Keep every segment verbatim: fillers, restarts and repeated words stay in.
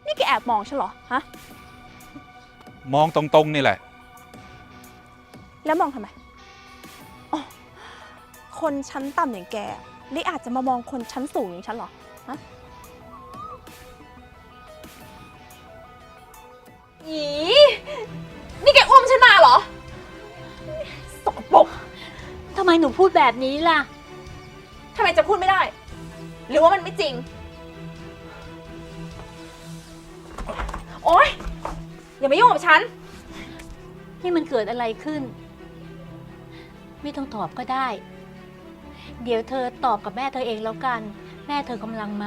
นี่แกแอบมองฉันเหรอฮะมองตรงๆนี่แหละแล้วมองทำไมอ๋อคนชั้นต่ำอย่างแกนี่อาจจะมามองคนชั้นสูงอย่างฉันเหรอฮะอีนี่แกอุ้มฉันมาเหรอสกปรกทำไมหนูพูดแบบนี้ล่ะทำไมจะพูดไม่ได้หรือว่ามันไม่จริงโอ๊ยอย่ามายุ่งกับฉันนี่มันเกิดอะไรขึ้นไม่ต้องตอบก็ได้เดี๋ยวเธอตอบกับแม่เธอเองแล้วกันแม่เธอกำลังมา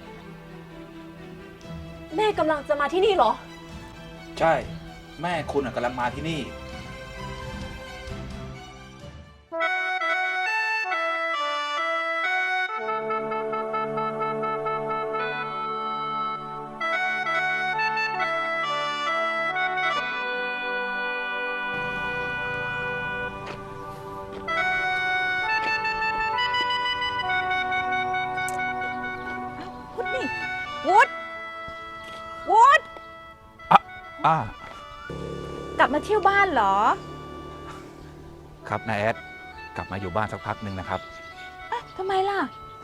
แม่กำลังจะมาที่นี่เหรอใช่ แม่คุณกำลังมาที่นี่วุฒวุฒอ่ะอ่ะกลับมาเที่ยวบ้านเหรอครับนายแอดกลับมาอยู่บ้านสักพักหนึ่งนะครับอ่ะทำไมล่ะ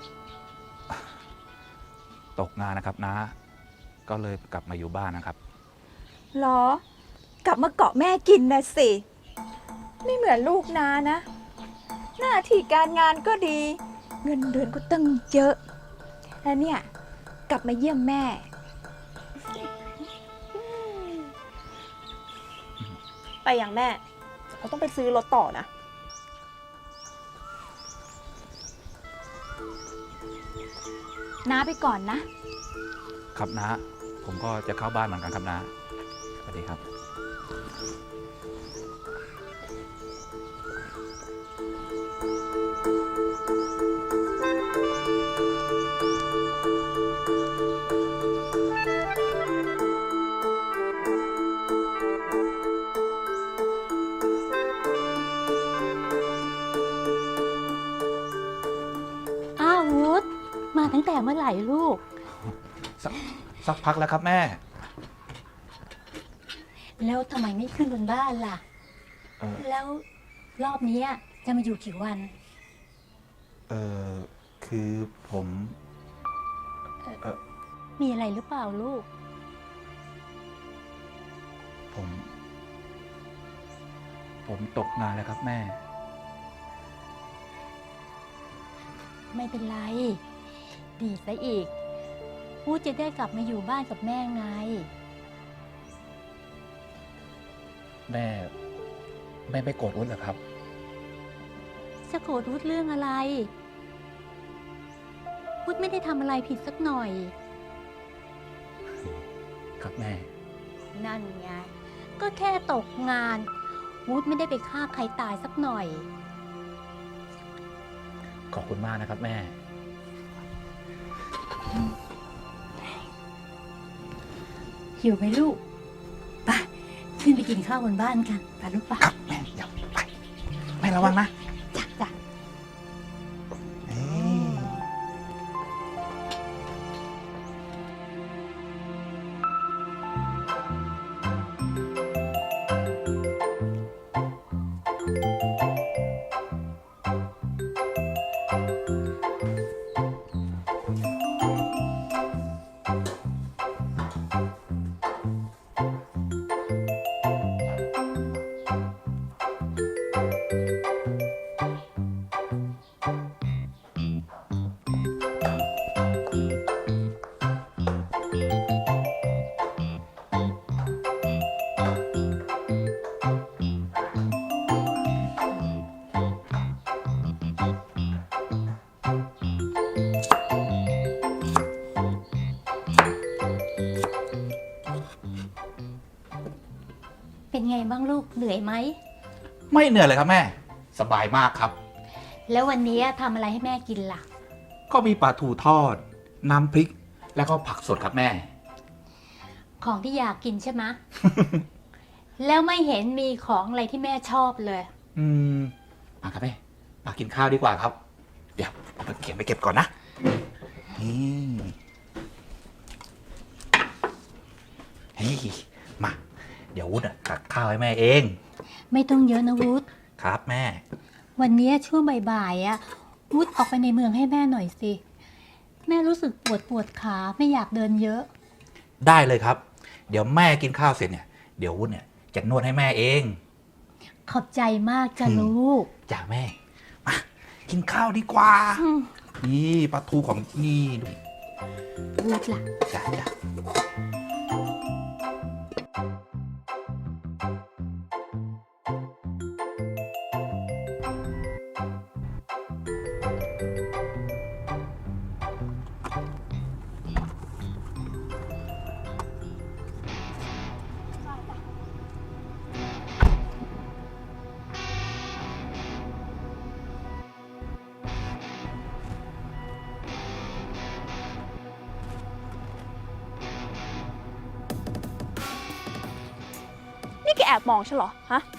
ตกงานนะครับน้าก็เลยกลับมาอยู่บ้านนะครับหรอกลับมาเกาะแม่กินนะสิไม่เหมือนลูกนานะ หน้าที่การงานก็ดี เงินเดือนก็ตั้งเยอะแล้วเนี่ยกลับมาเยี่ยมแม่ไปอย่างแม่เราต้องไปซื้อรถต่อนะน้าไปก่อนนะครับน้าผมก็จะเข้าบ้านเหมือนกันครับน้าสวัสดีครับมาตั้งแต่เมื่อไหร่ลูกสสักพักแล้วครับแม่แล้วทำไมไม่ขึ้นบนบ้านล่ะแล้วรอบนี้จะมาอยู่กี่วันเออคือผมเออมีอะไรหรือเปล่าลูกผมผมตกงานแล้วครับแม่ไม่เป็นไรดีซะอีกพูดจะได้กลับมาอยู่บ้านกับแม่ไงแม่แม่ไม่โกรธอุ้นเหรอครับจะโกรธวุฒเรื่องอะไรวุฒไม่ได้ทำอะไรผิดสักหน่อยครับแม่นั่นไงก็แค่ตกงานวุฒไม่ได้ไปฆ่าใครตายสักหน่อยขอบคุณมากนะครับแม่หิวไหมลูกไปขึ้นไปกินข้าวบนบ้านกันไปลูกปะครับแม่เดี๋ยวไปแม่ระวังนะจ้ะจ้ะเป็นไงบ้างลูกเหนื่อยไหมไม่เหนื่อยเลยครับแม่สบายมากครับแล้ววันนี้ทำอะไรให้แม่กินล่ะก็มีปลาทูทอดน้ำพริกแล้วก็ผักสดครับแม่ของที่อยากกินใช่ไหม แล้วไม่เห็นมีของอะไรที่แม่ชอบเลยอืมมาครับแม่มากินข้าวดีกว่าครับเดี๋ยวเอาไปเก็บไปเก็บก่อนนะนี่เฮ้ยมา เดี๋ยววุฒิตักข้าวให้แม่เองไม่ต้องเยอะนะวุฒครับแม่วันนี้ช่วงบ่ายๆอ่ะวุฒออกไปในเมืองให้แม่หน่อยสิ แม่รู้สึกปวดปวดขาไม่อยากเดินเยอะได้เลยครับ เดี๋ยวแม่กินข้าวเสร็จเนี่ย เดี๋ยววุฒิเนี่ยจะนวดให้แม่เองขอบใจมากจ้ะลูกจ้าแม่ มา กินข้าวดีกว่าอืมนี่ปลาทูของนี่ดูวุฒล่ะจ้าจ้านี่แกแอบมองฉันเหรอ ฮะ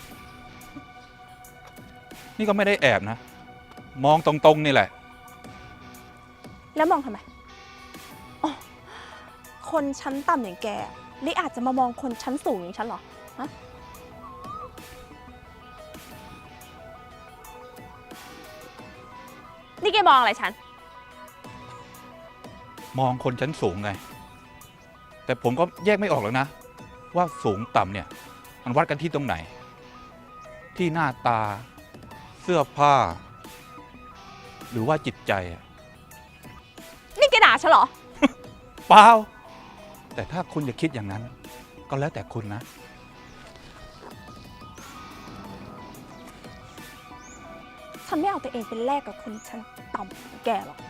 นี่ก็ไม่ได้แอบนะ มองตรงๆนี่แหละแล้วมองทำไมอ๋อคนชั้นต่ำอย่างแกนี่อาจจะมามองคนชั้นสูงอย่างฉันเหรอ ฮะ นี่แกมองอะไรฉันมองคนชั้นสูงไง แต่ผมก็แยกไม่ออกแล้วนะ ว่าสูงต่ำเนี่ย มันวัดกันที่ตรงไหน ที่หน้าตา เสื้อผ้า หรือว่าจิตใจอะนี่แกด่าฉันเหรอเปล่า แต่ถ้าคุณจะคิดอย่างนั้น ก็แล้วแต่คุณนะฉันไม่เอาตัวเองเป็นแลกกับคนชั้นต่ำอย่างแกหรอก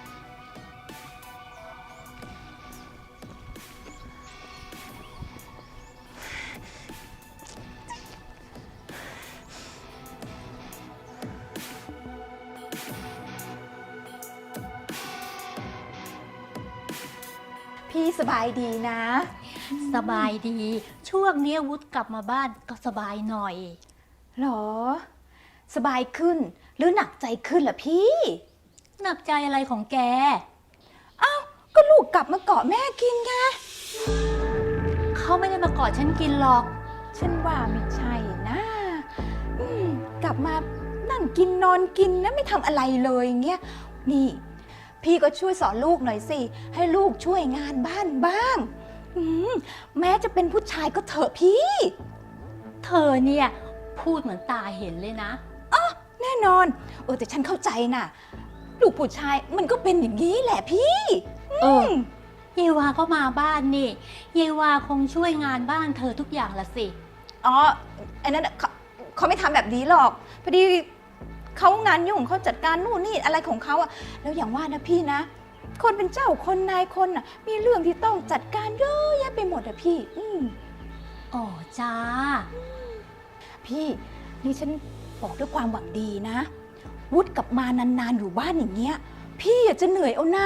พี่สบายดีนะสบายดี ช่วงนี้วุฒกลับมาบ้านก็สบายหน่อยหรอ สบายขึ้น หรือหนักใจขึ้นล่ะพี่หนักใจอะไรของแกอ้าว ก็ลูกกลับมาเกาะแม่กินไงเขาไม่ได้มากอดฉันกินหรอกฉันว่าไม่ใช่นะอืมกลับมานั่งกินนอนกินนะไม่ทำอะไรเลยอย่างเงี้ย นี่ พี่ก็ช่วยสอนลูกหน่อยสิ ให้ลูกช่วยงานบ้านบ้างอืมแม้จะเป็นผู้ชายก็เถอะพี่เธอเนี่ยพูดเหมือนตาเห็นเลยนะแน่นอน เออแต่ฉันเข้าใจนะลูกผู้ชายมันก็เป็นอย่างนี้แหละพี่เออ เยวาก็มาบ้านนี่ เยวาคงช่วยงานบ้านเธอทุกอย่างละสิอ๋อไอ้นั่นน่ะเขาเขาไม่ทำแบบนี้หรอก พอดีเขางานยุ่งเขาจัดการนู่นนี่อะไรของเขาอะแล้วอย่างว่านะพี่นะ คนเป็นเจ้าคนนายคนน่ะ มีเรื่องที่ต้องจัดการเยอะแยะไปหมดอะพี่ อืมอ๋อจ้าพี่นี่ฉันบอกด้วยความหวังดีนะ วุฒิกลับมานานๆอยู่บ้านอย่างเงี้ย พี่อะจะเหนื่อยเอานา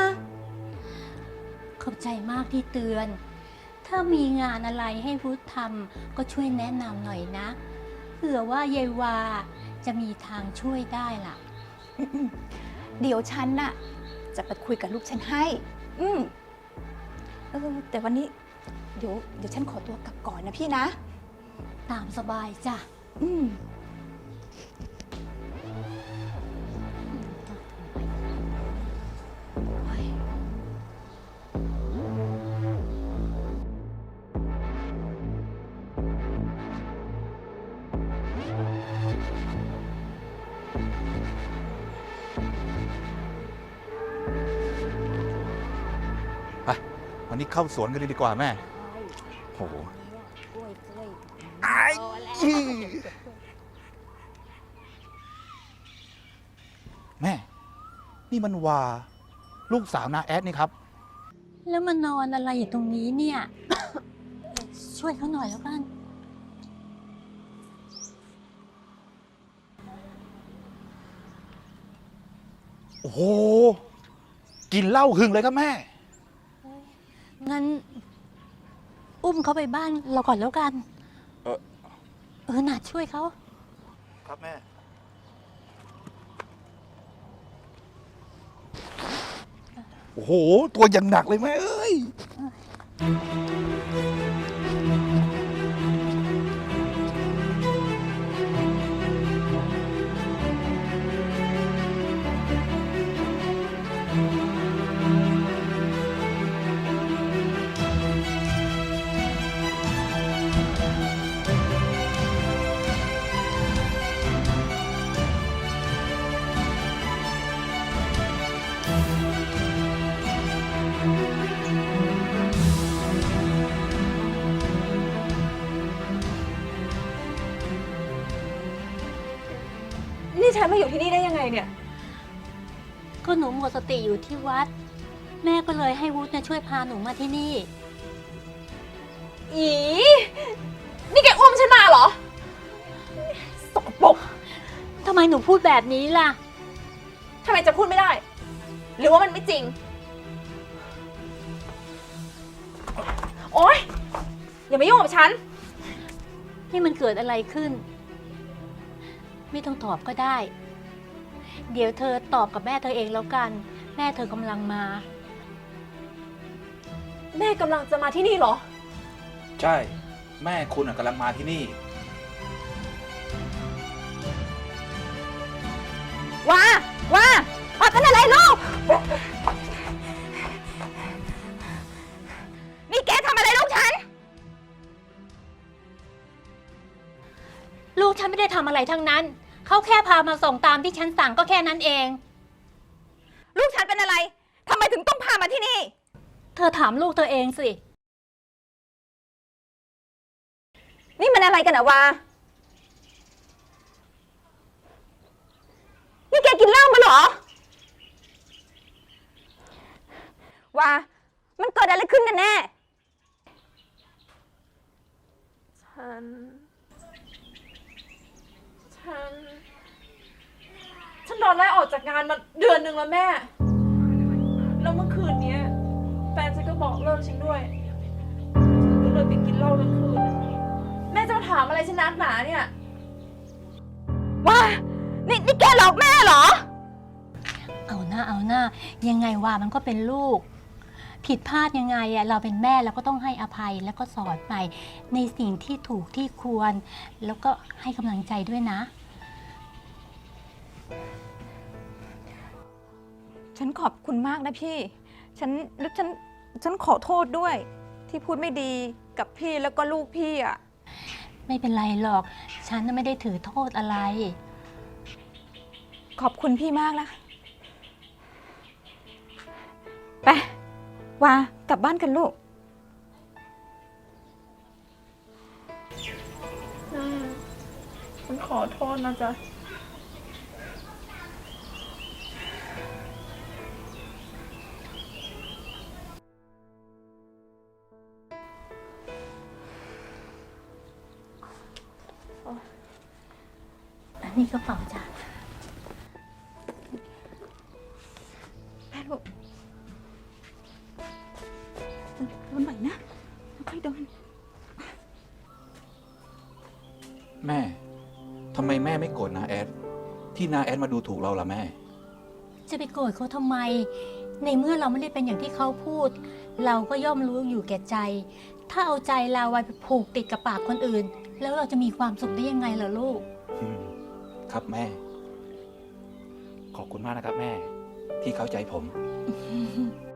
ขอบใจมากที่เตือน ถ้ามีงานอะไรให้พุทธทำก็ช่วยแนะนำหน่อยนะ เผื่อว่าเยวาจะมีทางช่วยได้ล่ะอืมๆเดี๋ยวฉันน่ะจะไปคุยกับลูกฉันให้ อืมเออแต่วันนี้ เดี๋ยวเดี๋ยวฉันขอตัวกลับก่อนนะพี่นะตามสบายจ้ะอืมไปวันนี้เข้าสวนกันเลยดีกว่าแม่ โอ้โหไอ้แม่ นี่มันวา ลูกสาวนาแอดนี่ครับแล้วมานอนอะไรอยู่ตรงนี้เนี่ย ช่วยเขาหน่อยแล้วกันโอ้โห กินเหล้าหึงเลยครับแม่งั้น อุ้มเขาไปบ้านเราก่อนแล้วกันเออเออน่าช่วยเขาครับแม่ โอ้โห ตัวอย่างหนักเลยแม่เอ้ยนี่ฉันมาอยู่ที่นี่ได้ยังไงเนี่ยก็หนูหมดสติอยู่ที่วัด แม่ก็เลยให้วุฒิเนี่ยช่วยพาหนูมาที่นี่อีนี่แกอุ้มฉันมาเหรอสกปรกทำไมหนูพูดแบบนี้ล่ะทำไมจะพูดไม่ได้ หรือว่ามันไม่จริง โอ๊ย อย่ามายุ่งกับฉันนี่มันเกิดอะไรขึ้น ไม่ต้องตอบก็ได้ เดี๋ยวเธอตอบกับแม่เธอเองแล้วกัน แม่เธอกำลังมาแม่กำลังจะมาที่นี่เหรอใช่ แม่คุณอะกำลังมาที่นี่ว่าว่าว่าเป็นอะไรลูก นี่แกทำอะไรลูกฉันลูกฉันไม่ได้ทำอะไรทั้งนั้น เขาแค่พามาส่งตามที่ฉันสั่งก็แค่นั้นเองลูกฉันเป็นอะไร ทำไมถึงต้องพามาที่นี่เธอถามลูกเธอเองสินี่มันอะไรกันอะวา นี่แกกินเหล้ามาเหรอ วา มันเกิดอะไรขึ้นกันแน่ ฉัน ฉัน ฉันโดนไล่ออกจากงานมาเดือนหนึ่งแล้วแม่ แล้วเมื่อคืนนี้แฟนฉันก็บอกเลิกฉันด้วย ฉันก็เลยไปกินเหล้าทั้งคืน แม่จะมาถามอะไรฉันนักหนาเนี่ย ว่า นี่นี่แกหลอกแม่เหรอเอาหน้าเอาหน้า ยังไงว่ามันก็เป็นลูก ผิดพลาดยังไงอะเราเป็นแม่เราก็ต้องให้อภัยแล้วก็สอนไปในสิ่งที่ถูกที่ควร แล้วก็ให้กำลังใจด้วยนะฉันขอบคุณมากนะพี่ ฉันแล้วฉัน ฉันขอโทษด้วย ที่พูดไม่ดีกับพี่แล้วก็ลูกพี่อ่ะไม่เป็นไรหรอก ฉันน่ะไม่ได้ถือโทษอะไรขอบคุณพี่มากนะ ไป วากลับบ้านกันลูก แม่ ฉันขอโทษนะจ๊ะอันนี้กระเป๋าจ้ะแม่ลูกโดนใหม่นะค่อยๆโดนแม่ ทำไมแม่ไม่โกรธนาแอด ที่นาแอดมาดูถูกเราล่ะแม่จะไปโกรธเขาทำไม ในเมื่อเราไม่ได้เป็นอย่างที่เขาพูด เราก็ย่อมรู้อยู่แก่ใจ ถ้าเอาใจเราไว้ไปผูกติดกับปากคนอื่น แล้วเราจะมีความสุขได้ยังไงล่ะลูกอืมครับแม่ ขอบคุณมากนะครับแม่ ที่เข้าใจผมอ